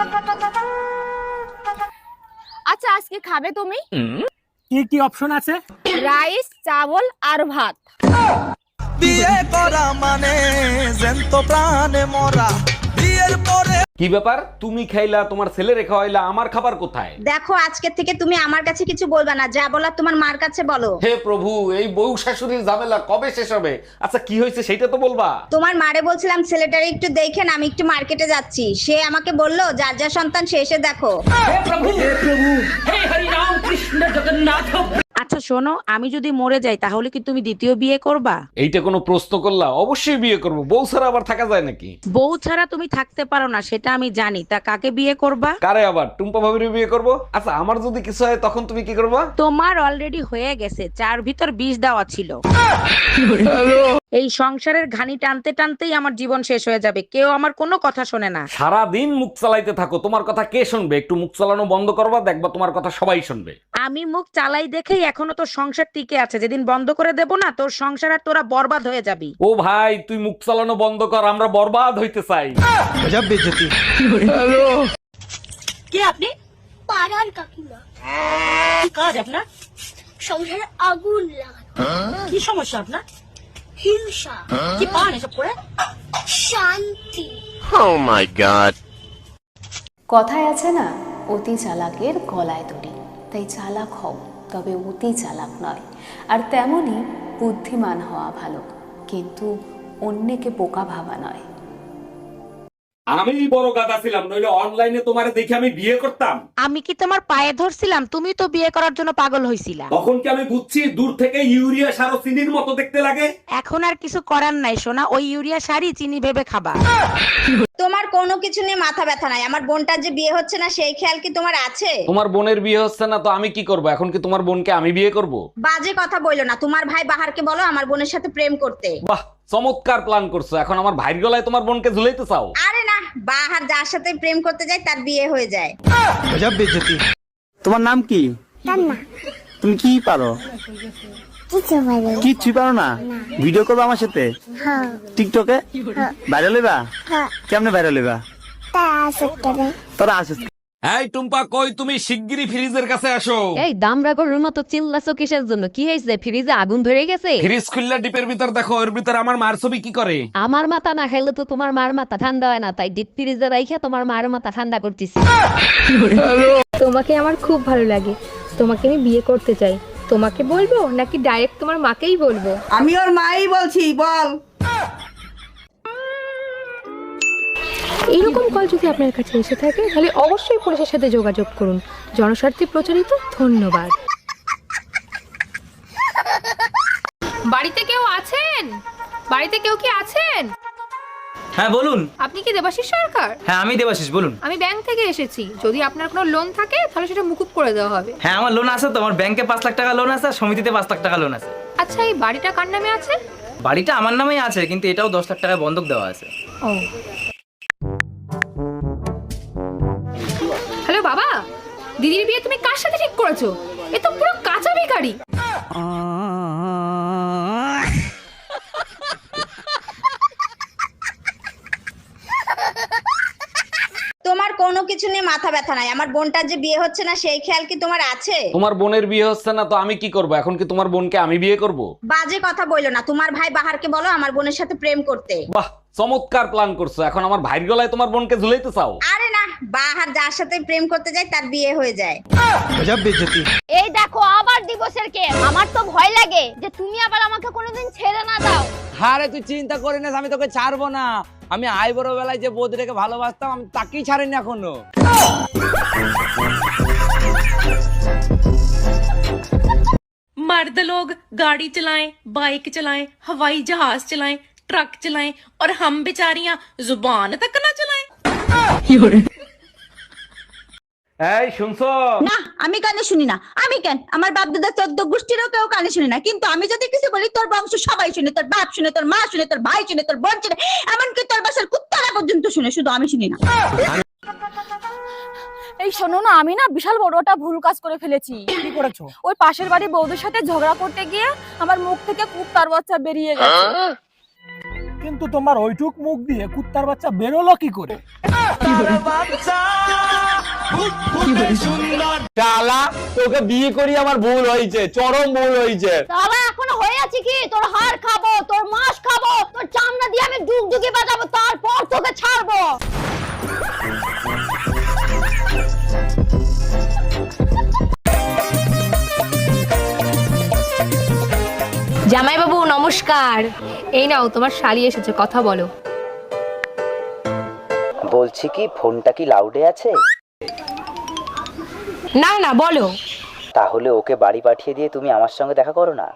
আচ্ছা আজকে খাবে তুমি? কি কি অপশন আছে? রাইস, চাবল আর ভাত। বিয়ে করা মানে জ্যান্ত প্রাণে মরা। বিয়ের পরে কি ব্যাপার, তুমি খাইলা, তোমার ছেলে রেখা হইলা, আমার খাবার কোথায়? দেখো আজকে থেকে তুমি আমার কাছে কিছু বলবা না, যা বলার তোমার মার কাছে বলো। হে প্রভু, এই বউ শাশুড়ির ঝামেলা কবে শেষ হবে? আচ্ছা কি হয়েছে সেটা তো বলবা। তোমার মারে বলছিলাম ছেলেটারে একটু দেখেন, আমি একটু মার্কেটে যাচ্ছি। সে আমাকে বললো যার যা সন্তান সে এসে দেখো। আচ্ছা শোনো, আমি যদি মরে যাই তাহলে কি তুমি দ্বিতীয় বিয়ে করবা? এইটা কোনো প্রশ্ন করলা? অবশ্যই বিয়ে করব, বউ ছাড়া আবার থাকা যায় নাকি? বউ ছাড়া তুমি থাকতে পারো না সেটা আমি জানি, তা কাকে বিয়ে করবা? কারে আবার? টুম্পা ভাবির বিয়ে করব। আচ্ছা আমার যদি কিছু হয় তখন তুমি কি করবা? তোমার অলরেডি হয়ে গেছে, চার ভিতর 20 দেওয়া ছিল। এই সংসারের ঘানি টানতে টানতেই আমার জীবন শেষ হয়ে যাবে, কেউ আমার কোনো কথা শোনে না। সারা দিন মুখ চালাইতে থাকো, তোমার কথা কে শুনবে? একটু মুখ চালানো বন্ধ করবা, দেখবা তোমার কথা সবাই শুনবে। আমি মুখ চালাই দেখেই এখনো তোর সংসার টিকে আছে, যেদিন বন্ধ করে দেব না তোর সংসার আর তোরা বরবাদ হয়ে যাবি। ও ভাই তুই মুখ চালানো বন্ধ কর, আমরা বরবাদ হইতে চাই। গজব বেইজ্জতি। কে আপনি? পাড়ার কাকিমা। কি কাজ আপনার? সংসারে আগুন লাগানো। কি সমস্যা আপনার? হিংসা। কি পান এসব করে? শান্তি। কথায় আছে না, অতি চালাকের গলায় দড়ি। তাই চালাক হও, তবে অতি চালাক নয়। আর তেমনি বুদ্ধিমান হওয়া ভালো, কিন্তু অন্যকে বোকা ভাবা নয়। আমি বড় গাদা ছিলাম, নইলে অনলাইনে তোমারে দেখে আমি বিয়ে করতাম। আমি কি তোমার পায়ে ধরছিলাম? তুমি তো বিয়ে করার জন্য পাগল হইছিলা। তখন কি আমি বুঝছি দূর থেকে ইউরিয়া সার ও চিনির মতো দেখতে লাগে? এখন আর কিছু করার নাই সোনা, ওই ইউরিয়া সারই চিনি ভেবে খাবা। তোমার কোনো কিছু নিয়ে মাথা ব্যথা নাই, আমার বোনটার যে বিয়ে হচ্ছে না সেই খেয়াল কি তোমার আছে? তোমার বোনের বিয়ে হচ্ছে না তো আমি কি করব? এখন কি তোমার বোনকে আমি বিয়ে করব? বাজে কথা বইলো না, তোমার ভাই বাহারকে বলো আমার বোনের সাথে প্রেম করতে। বাহ, চমৎকার প্ল্যান করছো। এখন আমার ভাইয়ের গলায় তোমার বোনকে ঝুলাইতে চাও? আরে না, বাহার যার সাথে প্রেম করতে যায় তার বিয়ে হয়ে যায়। গজব বেইজ্জতি। তোমার নাম কি? তুমি কি পারো? কিচ্ছু পারো না? ভিডিও করবে আমার সাথে টিকটকে? ভাইরাল হইবা? কেমনে ভাইরাল হইবা? তোরা আসিস। এই টুম্পা, কই তুমি? শিগগিরই ফ্রিজের কাছে আসো। এই দামরা গরুর মতো চিল্লাছো কিসের জন্য? কি হয়েছে? ফ্রিজে আগুন ধরে গেছে? ফ্রিজ খুললা ডিপের ভিতর দেখো, এর ভিতর আমার মার ছবি কি করে? আমার মাথা না খাইলে তো তোমার মার মাথা ঠান্ডা হয় না, তাই ডিপ ফ্রিজে রাইখা তোমার মার মাথা ঠান্ডা করতেছি। তোমাকে আমার খুব ভালো লাগে, তোমাকে আমি বিয়ে করতে চাই। তোমাকে বলবো নাকি ডাইরেক্ট তোমার মাকেই বলবো? আমি ওর মাই বলছি, বল। এইরকম কল যদি আপনার কাছে এসে থাকে তাহলে অবশ্যই পুলিশের সাথে যোগাযোগ করুন। জনস্বার্থে প্রচলিত। ধন্যবাদ। বাড়িতে কেউ আছেন? বাড়িতে কেউ কি আছেন? হ্যাঁ বলুন। আপনি কি দেবাশিস সরকার? হ্যাঁ আমি দেবাশিস, বলুন। আমি ব্যাংক থেকে এসেছি, যদি আপনার কোনো লোন থাকে তাহলে সেটা মুকুব করে দেওয়া হবে। হ্যাঁ আমার লোন আছে তো, আমার ব্যাংকে 5 লাখ টাকা লোন আছে, আর সমিতিতে 5 লাখ টাকা লোন আছে। আচ্ছা এই বাড়িটা কার নামে আছে? বাড়িটা আমার নামেই আছে, কিন্তু এটাও 10 লাখ টাকা বন্ধক দেওয়া আছে। ও হ্যালো বাবা, দিদির বিয়ে তুমি কার সাথে ঠিক করেছো? এ তো পুরো কাঁচা বেকারি। তোমার কোনো কিছু নিয়ে মাথা ব্যথা নাই, আমার বোনটার যে বিয়ে হচ্ছে না সেই খেয়াল কি তোমার আছে? তোমার বোনের বিয়ে হচ্ছে না তো আমি কি করব? এখন কি তোমার বোনকে আমি বিয়ে করব? বাজে কথা বইলো না, তোমার ভাই বাহারকে বলো আমার বোনের সাথে প্রেম করতে। বাহ, চমৎকার প্ল্যান করছো। এখন আমার ভাইয়ের গলায় তোমার বোনকে ঝুলাইতে চাও? আরে না, বাহার যার সাথে প্রেম করতে যায় তার বিয়ে হয়ে যায়। গজব বেইজ্জতি। এই দেখো আবার দিবসের কে। আমার তো ভয় লাগে যে তুমি আবার আমাকে কোনোদিন ছেড়ে না দাও। আরে তুই চিন্তা করে না, আমি তোকে ছাড়বো না। আমি আইবড় বেলায় যে বৌদিটাকে ভালোবাসতাম আমি তাকেই ছাড়িনি এখনো। मर्द लोग गाड़ी चलाएं, बाइक चलाएं, हवाई जहाज चलाएं, ट्रक चलाएं और हम बेचारियां जुबान तक ना चलाएं। এই শুনছো? না আমি কানে শুনি না। আমি কেন? আমার বাপ দাদা 14 গোষ্ঠীরও কেউ কানে শুনি না, কিন্তু আমি যদি কিছু বলি তোর বংশ সবাই শুনে, তোর বাপ শুনে, তোর মা শুনে, তোর ভাই শুনে, তোর বোন শুনে, এমনকি তোর বাসার কুত্তারা পর্যন্ত শুনে, শুধু আমি শুনি না। এই শোনো না, আমি না বিশাল বড় একটা ভুল কাজ করে ফেলেছি। কি করেছো? ওই পাশের বাড়ি বৌদির সাথে ঝগড়া করতে গিয়ে আমার মুখ থেকে কুত্তার বাচ্চা বেরিয়ে গেছে। কিন্তু তোমার ওইটুক মুখ দিয়ে কুত্তার বাচ্চা বেরোলো কি করে? শালা তোকে বিয়ে করি আমার ভুল হয়েছে, চরম ভুল হয়েছে। তাহলে এখন হয়ে আছে কি, তোর হাড় খাবো, তোর মাংস খাবো, তোর চামড়া দিয়ে আমি ডুগডুগি বাজাবো, তারপর তোকে ছাড়বো। জামাইবাবু নমস্কার। এই নাও তোমার শালি এসেছে, কথা বলো। বলছি কি ফোনটা কি লাউডে আছে? না না বলো। তাহলে ওকে বাড়ি পাঠিয়ে দিয়ে তুমি আমার সঙ্গে দেখা করো না।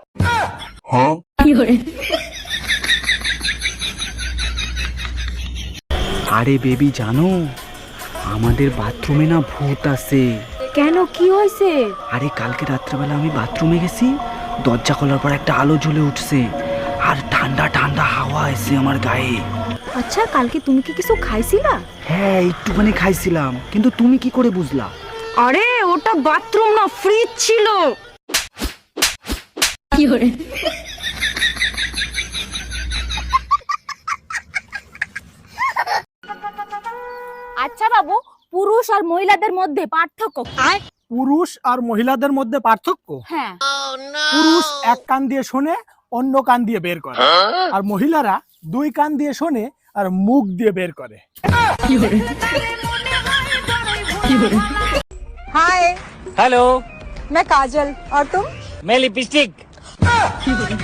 আরে বেবি জানো, আমাদের বাথরুমে না ভূত আছে। কেন, কি হয়েছে? আরে কালকে রাত্রেবেলা আমি বাথরুমে গেছি, দরজা খোলার পর একটা আলো জ্বলে উঠছে আর ঠান্ডা ঠান্ডা হাওয়া এসে আমার গায়ে। আচ্ছা কালকে তুমি কি কিছু খাইছিলা? হ্যাঁ একটুখানি খাইছিলাম, কিন্তু তুমি কি করে বুঝলা? আরে ওটা বাথরুম না, ফ্রিজ ছিল। আচ্ছা বাবু, পুরুষ আর মহিলাদের মধ্যে পার্থক্য কি? পুরুষ আর মহিলাদের মধ্যে পার্থক্য? হ্যাঁ। পুরুষ এক কান দিয়ে শোনে, অন্য কান দিয়ে বের করে, আর মহিলারা দুই কান দিয়ে শোনে আর মুখ দিয়ে বের করে। हेलो, मैं काजल और तुम? मैं लिपस्टिक।